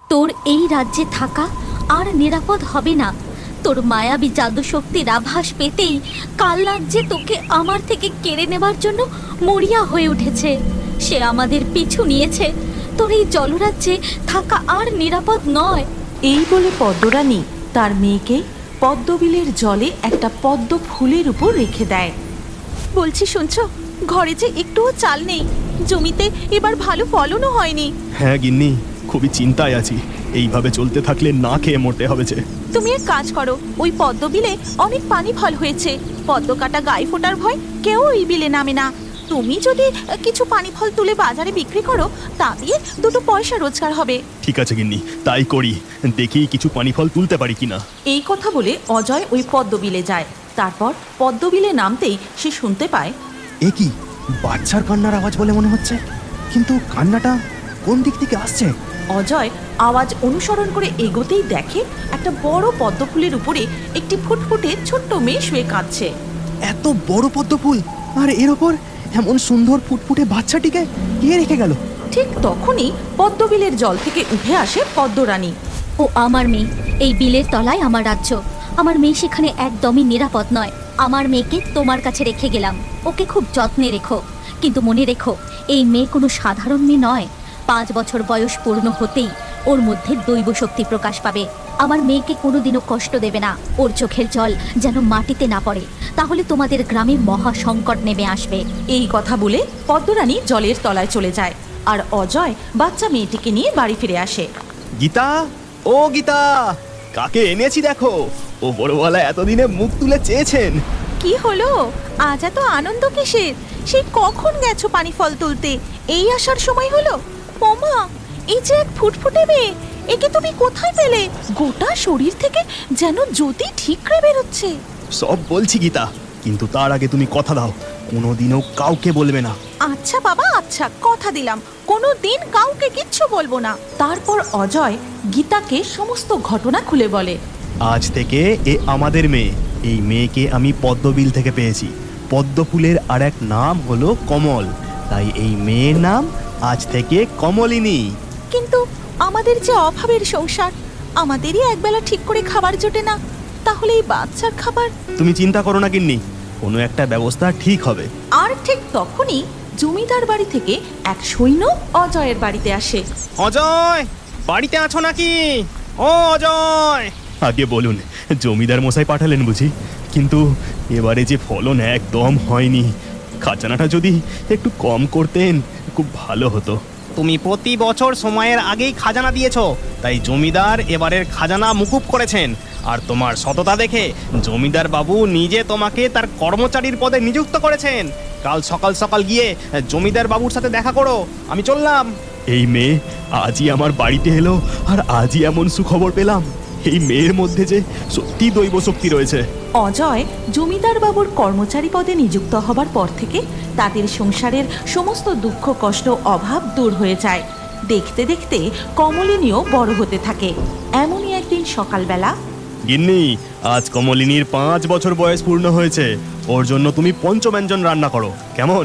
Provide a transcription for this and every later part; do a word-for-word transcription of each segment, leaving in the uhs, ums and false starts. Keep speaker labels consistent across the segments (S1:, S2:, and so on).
S1: তোর এই রাজ্যে থাকা আর নিরাপদ হবে না। তোর মায়াবী জাদু শক্তির আভাস পেতেই কাল রাজ্যে তোকে আমার থেকে কেড়ে নেবার জন্য মরিয়া হয়ে উঠেছে। সে আমাদের পিছু নিয়েছে। তোর এই জলরাজ্যে থাকা আর নিরাপদ নয়।
S2: এই বলে পদ্মরানী তার মেয়েকে পদ্মবিলের জলে একটা পদ্ম ফুলের উপর রেখে দেয়। বলছি শুনছো, ঘরে যে একটুও চাল নেই, জমিতে এবার ভালো ফলনও হয়নি।
S3: হ্যাঁ গিন্নি, খুবই চিন্তায় আছি। এইভাবে চলতে থাকলে না খেয়ে মরতে হবে যে।
S2: তুমি এক কাজ করো, ওই পদ্মবিলে অনেক পানি ফল হয়েছে, পদ্ম কাটা গায়ে ফোটার ভয় কেউ ওই বিলে নামে না। তুমি যদি কিছু পানি ফল তুলে বাজারে বিক্রি করো, তা দিয়ে দুটো পয়সা রোজগার হবে।
S3: ঠিক আছে গিন্নি, তাই করি। দেখি কিছু পানি ফল তুলতে পারি কিনা।
S2: এই কথা বলে অজয় ওই পদ্মবিলে যায়। তারপর পদ্মবিলে নামতেই সে শুনতে পায়,
S4: এ কি বাচ্চার কান্নার আওয়াজ বলে মনে হচ্ছে, কিন্তু কান্নাটা কোন দিক থেকে আসছে?
S2: অজয় আওয়াজ অনুসরণ করে এগোতেই দেখে একটা বড় পদ্ম ফুলের উপরে একটি ফুটফুটে ছোট্ট মেয়ে শুয়ে কাঁদছে।
S4: এত বড় পদ্ম ফুল, আর এর ওপর এমন সুন্দর ফুটফুটে বাচ্চাটিকে কে রেখে গেল?
S2: ঠিক তখনই পদ্মবিলের জল থেকে উঠে আসে পদ্মরানী।
S1: ও আমার মেয়ে। এই বিলের তলায় আমার রাজ্য। আমার মেয়ে সেখানে একদমই নিরাপদ নয়। আমার মেয়েকে তোমার কাছে রেখে গেলাম। ওকে খুব যত্নে রেখো, কিন্তু মনে রেখো এই মেয়ে কোনো সাধারণ মেয়ে নয়। পাঁচ বছর বয়স পূর্ণ হতেই ওর মধ্যে দৈব শক্তি প্রকাশ পাবে। আমার মেয়েকে কোনোদিনও কষ্ট দেবে না। ওর চোখের জল যেন মাটিতে না পড়ে, তাহলে তোমাদের গ্রামে মহা সংকট নেমে আসবে।
S2: এই কথা বলে পদ্মরানী জলের তলায় চলে যায়, আর অজয় বাচ্চা মেয়েটিকে নিয়ে বাড়ি ফিরে আসে।
S3: গীতা, ও গীতা, কাকে এনেছি দেখো। ও বড়ওয়ালা এতদিনে মুখ তুলে চেয়েছেন।
S2: কি হলো, আজ এত আনন্দ কিসের? সেই কখন গেছো পানি ফল তুলতে, এই আসার সময় হলো? ওমা, এই যে এক ফুটফুটে মেয়ে, একে তুমি কোথায় পেলে? গোটা শরীর থেকে যেন জ্যোতি ঠিকরে বেরোচ্ছে।
S3: সব বলছি গীতা, কিন্তু তার আগে তুমি কথা দাও, কোনোদিনও কাউকে বলবে না।
S2: আচ্ছা বাবা, আচ্ছা, কথা দিলাম, কোনো দিন কাউকে কিচ্ছু বলবো না। তারপর অজয় গীতাকে সমস্ত ঘটনা খুলে বলে।
S3: আজ থেকে এ আমাদের মেয়ে। এই মেয়েকে আমি পদ্মবিল থেকে পেয়েছি। পদ্ম ফুলের আর এক নাম হলো কমল, তাই এই মেয়ের নাম আজ থেকে কমলিনী।
S2: কিন্তু আমাদের যে অভাবের সংসার, আমাদেরই একবেলা ঠিক করে খাবার জোটে না, তাহলে এই বাচ্চার খাবার?
S3: তুমি চিন্তা করো না গিন্নি, কোনো একটা ব্যবস্থা ঠিক হবে।
S2: আর ঠিক তখনই জমিদার বাড়ি থেকে এক সৈন্য অজয়ের বাড়িতে আসে।
S3: অজয়, বাড়িতে আছো নাকি? ও অজয়, আগে বলুন, জমিদার মশাই পাঠালেন বুঝি? কিন্তু এবারে যে ফলন একদম হয়নি। খাজানাটা যদি একটু কম করতেন খুব ভালো হতো।
S5: তুমি প্রতি বছর সময়ের আগেই খাজানা দিয়েছো, তাই জমিদার এবারের খাজানা মুকুব করেছেন। আর তোমার সততা দেখে জমিদার বাবু নিজে তোমাকে তার কর্মচারীর পদে নিযুক্ত করেছেন। কাল সকাল সকাল গিয়ে জমিদার বাবুর সাথে দেখা করো। আমি চললাম।
S3: এই মেয়ে আজই আমার বাড়িতে এলো, আর আজই এমন সুখবর পেলাম। এই মেয়ের মধ্যে যে সত্যি দৈব শক্তি রয়েছে।
S2: অজয় জমিদার বাবুর কর্মচারী পদে নিযুক্ত হবার পর থেকে তাদের সংসারের সমস্ত দুঃখ কষ্ট অভাব দূর হয়ে যায়। দেখতে দেখতে কমলিনীও বড় হতে থাকে। এমনই একদিন সকালবেলা,
S3: গিন্নি, আজ কমলিনীর পাঁচ বছর বয়স পূর্ণ হয়েছে। ওর জন্য তুমি পঞ্চব্যঞ্জন রান্না করো, কেমন?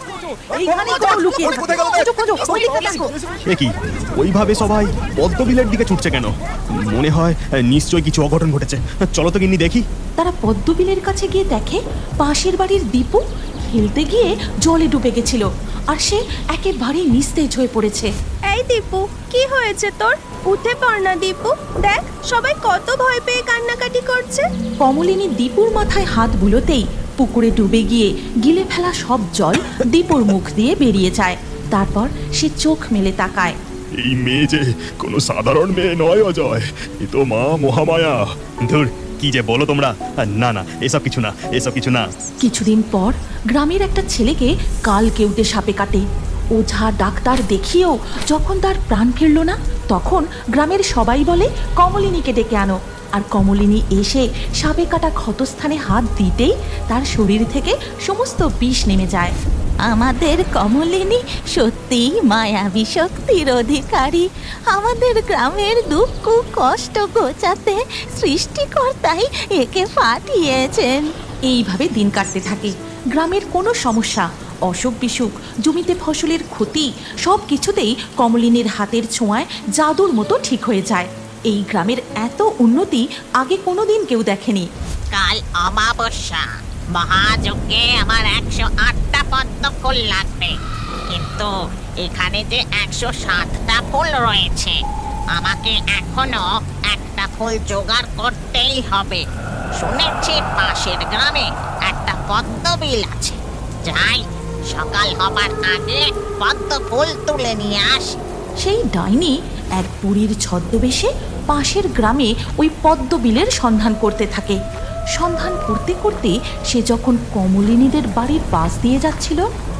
S3: কি ওইভাবে সবাই পদ্মবিলের দিকে ছুটছে কেন? মনে হয় নিশ্চয়ই কিছু অঘটন ঘটেছে। চলো তো গিন্নি দেখি।
S2: তারা পদ্মবিলের কাছে গিয়ে দেখে পাশের বাড়ির দীপু খেলতে গিয়ে জলে ডুবে গেছিল, আর সে একেবারেই নিস্তেজ হয়ে পড়েছে।
S6: এই দীপু, কি হয়েছে তোর? উঠে পড় না দীপু, দেখ সবাই কত ভয় পেয়ে কান্নাকাটি করছে।
S2: কমলিনী দীপুর মাথায় হাত বুলোতেই পুকুরে ডুবে গিয়ে গিলে ফেলা সব জল দীপুর মুখ দিয়ে বেরিয়ে যায়। তারপর সে চোখ মেলে তাকায়।
S3: এই মেয়ে যে কোনো সাধারণ মেয়ে নয় অজয়, এ তো মা মহামায়া। ধুর, কি যে বলো তোমরা। না না, এসব কিছু না, এসব কিছু না।
S2: কিছুদিন পর গ্রামের একটা ছেলেকে কাল কেউটে সাপে কাটে। ওঝা ডাক্তার দেখিয়েও যখন তার প্রাণ ফিরল না, তখন গ্রামের সবাই বলে কমলিনীকে ডেকে আনো। আর কমলিনী এসে সাপে কাটা ক্ষতস্থানে হাত দিতেই তার শরীর থেকে সমস্ত বিষ নেমে যায়। আমাদের কমলিনী সত্যিই মায়াবী শক্তির অধিকারী। আমাদের গ্রামের দুঃখ কষ্ট ঘোচাতে সৃষ্টিকর্তাই একে পাঠিয়েছেন। এইভাবে দিন কাটতে থাকে। গ্রামের কোনো সমস্যা অসুখ বিসুখ, জমিতে ফসলের ক্ষতি সব কিছুতেই কমলিনীর হাতের ছোঁয়ায় জাদুর মতো ঠিক হয়ে যায়। এই গ্রামের এত উন্নতি আগে কোনোদিন কেউ দেখেনি।
S7: কাল অমাবস্যা, মহাযজ্ঞে আমার একশো আটটা পদ্ম ফুল লাগবে, কিন্তু এখানে যে একশো সাতটা ফুল রয়েছে, আমাকে এখনো একটা ফুল জোগাড় করতেই হবে। শুনেছি পাশের গ্রামে একটা পদ্ম বিল আছে, যাই সকাল হবার আগে পদ্ম ফুল তুলে নিয়ে আসি।
S2: সেই ডাইনি এক বুড়ির ছদ্মবেশে পাশের গ্রামে ওই পদ্মবিলের সন্ধান করতে থাকে। সন্ধান করতে করতে সে যখন কমলিনীদের বাড়ির পাশ দিয়ে যাচ্ছিল,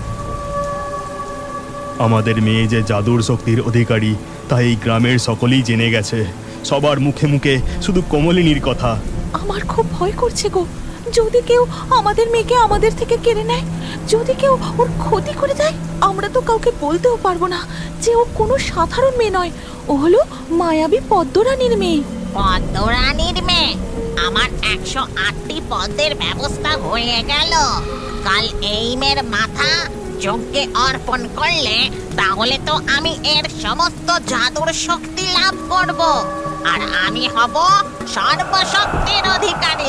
S3: আমাদের মেয়ে যে জাদুর শক্তির অধিকারী তা এই গ্রামের সকলেই জেনে গেছে। সবার মুখে মুখে শুধু কমলিনীর কথা।
S2: আমার খুব ভয় করছে গো, যদি কেউ আমাদের মেয়েকে আমাদের থেকে কেড়ে নেয়, যদি কেউ ওর ক্ষতি করে দেয়, আমরা তো কাউকে বলতেও পারবো না যে ও কোনো সাধারণ মেয়ে নয়, ও হলো মায়াবী পদ্মরানীর মেয়ে।
S7: পদ্মরানীর মেয়ে? আমার একশো আটটি পদ্মের ব্যবস্থা হয়ে গেল। কাল এই মেয়ের মাথা যজ্ঞে অর্পণ করলে তাহলে তো আমি এর সমস্ত জাদুর শক্তি লাভ করব, আর আমি হব সর্বশক্তির অধিকারী।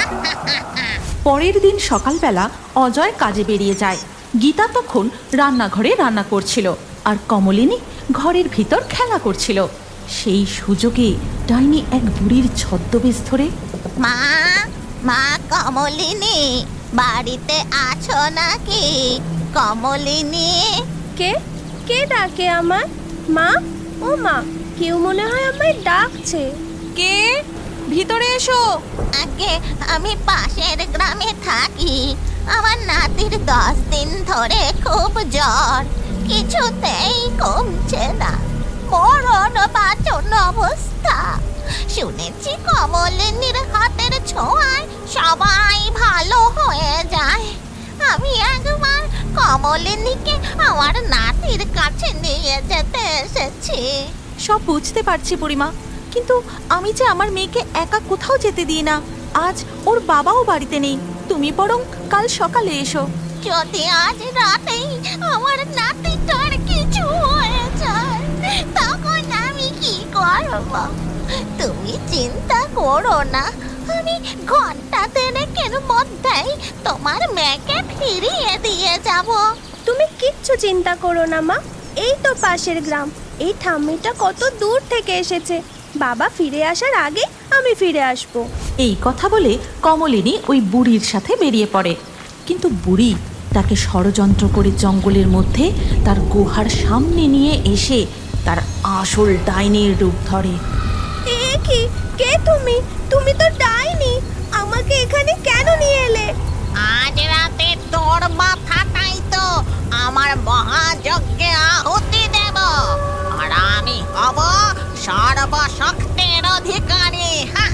S2: পরের দিন সকালবেলা অজয় কাজে বেরিয়ে যায়। গীতা তখন রান্নাঘরে রান্না করছিল, আর কমলিনী ঘরের ভিতর খেলা করছিল। সেই সুযোগে ডাইনি এক বুড়ির ছদ্মবেশ ধরে,
S7: মা, মা কমলিনী, বাড়িতে আছো নাকি? কমলিনী।
S6: কে কে ডাকে আমার? মা, ও মা, কেউ মনে হয় আমায় ডাকছে।
S2: কে? ভিতরে এসো।
S7: আগে আমি পাশের গ্রামে থাকি। আমার নাতির দশ দিন ধরে খুব জ্বর, কিছুতেই কমছে না, মরণ বাঁচন অবস্থা। শুনেছি কমলিনীর হাতের ছোঁয়ায় সবাই ভালো হয়ে যায়। আমি একবার কমলিনীকে আমার নাতির কাছে নিয়ে যেতে এসেছি।
S2: সব বুঝতে পারছি বুড়িমা, কিন্তু আমি যে আমার মেয়েকে একা কোথাও যেতে দিই না। আজ ওর বাবাও বাড়িতে নেই, তুমি বরং কাল সকালে এসো।
S7: যদি আজ রাতেই আমার নাতিটার কিছু হয়ে যায়, তখন আমি কি করব? তুমি চিন্তা করো না, আমি ঘন্টা দেড়েকের মধ্যেই তোমার মেয়েকে ফিরিয়ে দিয়ে যাব।
S6: তুমি কিচ্ছু চিন্তা করো না মা, এই তো পাশের গ্রাম। এই ঠাম্মিটা কত দূর থেকে এসেছে, বাবা ফিরে আসার আগে আমি ফিরে আসবো।
S2: এই কথা বলে কমলিনী ওই বুড়ির সাথে বেরিয়ে পড়ে, কিন্তু বুড়ি তাকে ষড়যন্ত্র করে জঙ্গলের মধ্যে তার গুহার সামনে নিয়ে এসে তার আসল ডাইনির রূপ ধরে।
S6: এ কি? কে তুমি? তুমি তো ডাইনি, আমাকে এখানে কেন নিয়ে এলে?
S7: আজ রাতে তোর মাথাটাই তো আমার মহাযজ্ঞে আহুতি দেব, আর আমি হব সর্বশক্তির অধিকারী।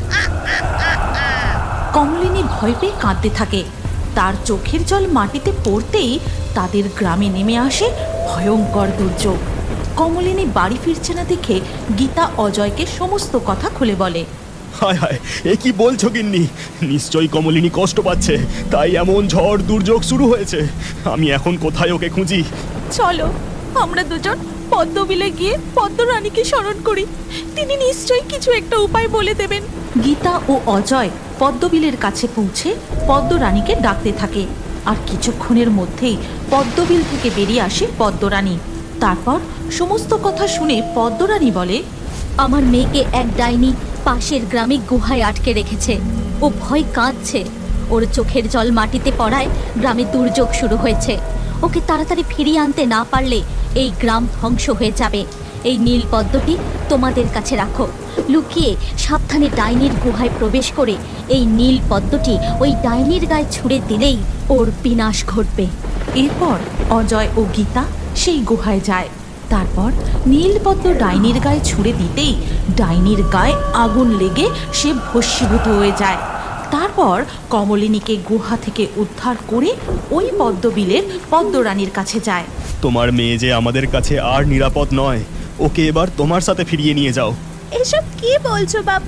S2: কমলিনী ভয় পেয়ে কাঁদতে থাকে। তার চোখের জল মাটিতে পড়তেই তাদের গ্রামে নেমে আসে ভয়ঙ্কর দুর্যোগ। কমলিনী বাড়ি ফিরছে না দেখে গীতা অজয়কে সমস্ত কথা খুলে বলে।
S3: হায় হায়, এ কি বলছো গিন্নি? নিশ্চয়ই কমলিনী কষ্ট পাচ্ছে, তাই এমন ঝড় দুর্যোগ শুরু হয়েছে। আমি এখন কোথায় ওকে খুঁজি?
S2: চলো আমরা দুজন পদ্মবিলে গিয়ে পদ্মরানীকে স্মরণ করি, তিনি নিশ্চয়ই কিছু একটা উপায় বলে দেবেন। গীতা ও অজয় পদ্মবিলের কাছে পৌঁছে পদ্মরানীকে ডাকতে থাকে, আর কিছুক্ষণের মধ্যেই পদ্মবিল থেকে বেরিয়ে আসে পদ্মরানী। তারপর সমস্ত কথা শুনে পদ্মরানী বলে,
S1: আমার মেয়েকে এক ডাইনি পাশের গ্রামে গুহায় আটকে রেখেছে। ও ভয় কাঁদছে, ওর চোখের জল মাটিতে পড়ায় গ্রামে দুর্যোগ শুরু হয়েছে। ওকে তাড়াতাড়ি ফিরিয়ে আনতে না পারলে এই গ্রাম ধ্বংস হয়ে যাবে। এই নীল পদ্মটি তোমাদের কাছে রাখো, লুকিয়ে সাবধানে ডাইনির গুহায় প্রবেশ করে এই নীল পদ্মটি ওই ডাইনির গায়ে ছুঁড়ে দিলেই ওর বিনাশ ঘটবে।
S2: এরপর অজয় ও গীতা সেই গুহায় যায়। তারপর নীলপদ্ম ডাইনির গায়ে ছুঁড়ে দিতেই ডাইনির গায়ে আগুন লেগে সে ভস্মীভূত হয়ে যায়। তারপর কমলিনীকে গুহা থেকে উদ্ধার করে ওই পদ্মবিলের পদ্মরানীর কাছে যায়।
S3: তোমার মেয়ে যে আমাদের কাছে আর নিরাপদ নয়, ওকে এবার তোমার সাথে ফিরিয়ে নিয়ে যাও।
S6: এসব কি বলছো বাবা?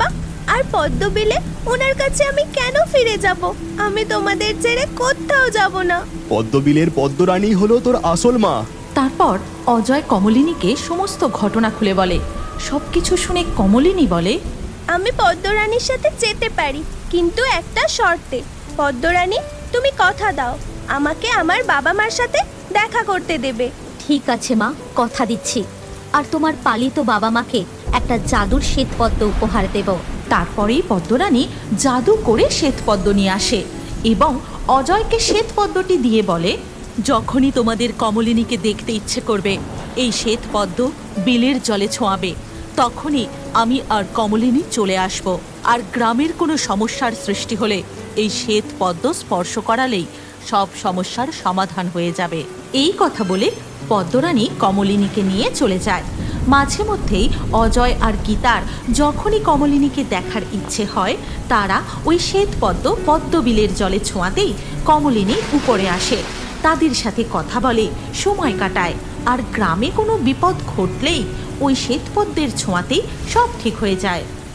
S6: আর পদ্মবিলে ওনার কাছে আমি কেন ফিরে যাব? আমি তোমাদের ছেড়ে কোথাও যাব না।
S3: পদ্মবিলের পদ্মরানী হলো তোর আসল মা।
S2: তারপর অজয় কমলিনীকে সমস্ত ঘটনা খুলে বলে। সবকিছু শুনে কমলিনী বলে,
S6: আমি পদ্মরানীর সাথে যেতে পারি, কিন্তু একটা শর্তে। পদ্মরানী, তুমি কথা দাও আমাকে আমার বাবা মার সাথে দেখা করতে দেবে।
S1: ঠিক আছে মা, কথা দিচ্ছি। আর তোমার পালিত বাবা মাকে একটা জাদুর শ্বেতপদ্ম উপহার দেব।
S2: তারপরেই পদ্মরানী জাদু করে শ্বেতপদ্ম নিয়ে আসে এবং অজয়কে শ্বেতপদ্মটি দিয়ে বলে,
S8: যখনই তোমাদের কমলিনীকে দেখতে ইচ্ছে করবে, এই শ্বেতপদ্ম বিলের জলে ছোঁয়াবে। তখনই আমি আর কমলিনী চলে আসব। আর গ্রামের কোনো সমস্যার সৃষ্টি হলে এই শ্বেতপদ্ম স্পর্শ করালেই সব সমস্যার সমাধান হয়ে যাবে।
S2: এই কথা বলে পদ্মরানী কমলিনীকে নিয়ে চলে যায়। মাঝে মধ্যেই অজয় আর গীতার যখনই কমলিনীকে দেখার ইচ্ছে হয়, তারা ওই শ্বেতপদ্ম পদ্মবিলের জলে ছোঁয়াতেই কমলিনী উপরে আসে, তাদের সাথে কথা বলে, সময় কাটায়। আর গ্রামে কোনো বিপদ ঘটলেই ওই শ্বেতপদ্মের ছোঁয়াতেই সব ঠিক হয়ে যায়।